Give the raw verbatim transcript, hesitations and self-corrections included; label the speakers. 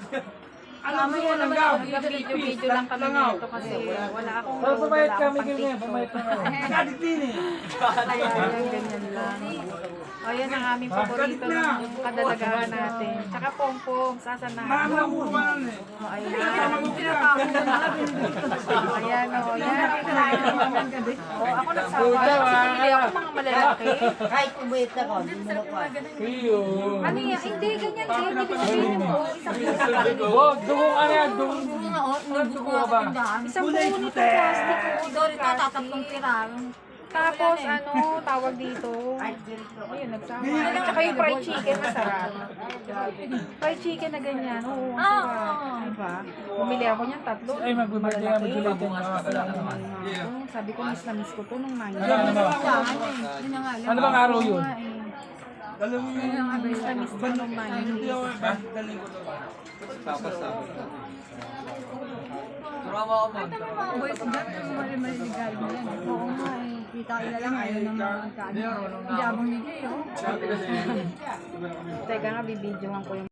Speaker 1: Kami yan naman ako, video-video lang kami nito kasi wala akong
Speaker 2: Pero pumayat
Speaker 1: wala
Speaker 2: kami
Speaker 1: akong
Speaker 2: ganyan,
Speaker 1: pang-TikTok.
Speaker 2: pumayat na nga.
Speaker 3: Kadit din eh.
Speaker 1: Kaya yan, ganyan lang. O yan ang aming paborito ng kadalagaan natin. Tsaka pong-pong, sasanahan.
Speaker 3: Mama ko pa lang eh.
Speaker 1: O ayan. Ayan o, yan. O ako nagsawa. Kasi bumili ako mga malalaki.
Speaker 4: Kahit umayit na ko, hindi mo na ko.
Speaker 2: Iyo.
Speaker 1: Ano yan? Hindi, ganyan din. Hindi sabihin po. Isang buo.
Speaker 2: Wag, dugong ano yan, dugong. Dugong ka ba?
Speaker 1: Isang buo nito plastic.
Speaker 4: Doon ito, tatatlong tira.
Speaker 1: Tapos ano, tawag dito. Ayun, nagsawa. Tsaka yung fried chicken, masarap. Fried chicken na ganyan. Oo, masarap. Diba? Bumili ako niyan tatlo.
Speaker 2: Ay, mag-birthday nga, mag-birthday din.
Speaker 1: Oo, sabi ko, miss na miss ko to nung nine.
Speaker 2: Ano ano? Ano bang araw yun?
Speaker 3: Dalawin mo yung
Speaker 1: Miss na miss ko nung nine.
Speaker 3: hindi ako ba? Daling ko to.
Speaker 1: Oo nga eh.
Speaker 4: Kita ila lang, ayaw ng mga kanya. Hindi abang nigay, oh.
Speaker 1: Teka nga, bibidyohan ko yung